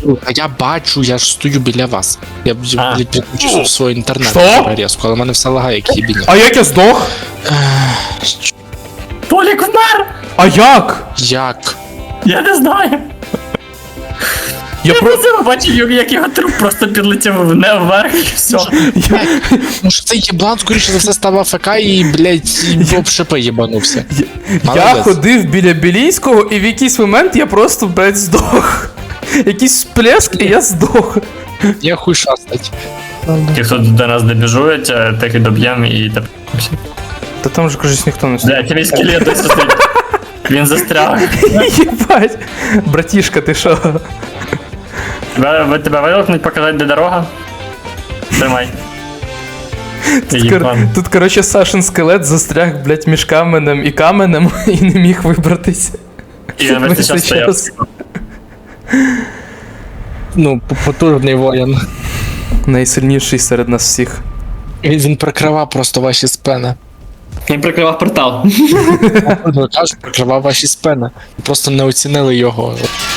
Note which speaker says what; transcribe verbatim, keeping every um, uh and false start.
Speaker 1: А я бачу, я ж стою біля вас. Я,
Speaker 2: А.
Speaker 1: блядь, підключив свій інтернет
Speaker 3: Що?
Speaker 1: на резку, але в мене все лагає, як їбіня.
Speaker 3: А як я здох?
Speaker 2: Толік вмер!
Speaker 3: А як?
Speaker 1: Як?
Speaker 2: Я не знаю.
Speaker 3: Я
Speaker 2: Я
Speaker 3: про...
Speaker 2: просто побачив, як його труп просто підлетів в- вверх і все.
Speaker 3: Я...
Speaker 1: Ну що цей єблан, скоріше за все, став АФК і, блядь, і об шипи їбанувся.
Speaker 3: Я
Speaker 1: Молодець.
Speaker 3: ходив біля Білійського, і в якийсь момент я просто, блядь, здох. Якийсь сплеск, і я здох.
Speaker 1: Я хуй шастать.
Speaker 2: Ті, хто до нас добіжують, так і доб'ємо і так.
Speaker 3: Та там же, кажуть, ніхто не стоїть.
Speaker 2: Бля, тебе скелет досі стоїть. Він застряг.
Speaker 3: Єбать. Братішка, ти що?
Speaker 2: Тебе, ви- тебе вилокнуть, показати, де дорога? Тримай. Ти
Speaker 3: Тут, кор...
Speaker 2: їбан.
Speaker 3: Тут, коротше, Сашин скелет застряг, блядь, між каменем і каменем і не міг вибратися.
Speaker 2: І він весь цей час стояв.
Speaker 1: Ну, потужний воїн.
Speaker 3: Найсильніший серед нас всіх.
Speaker 1: Він, він прикривав просто ваші спини.
Speaker 2: Він прикривав портал.
Speaker 1: Кажу, прикривав ваші спини. Просто не оцінили його.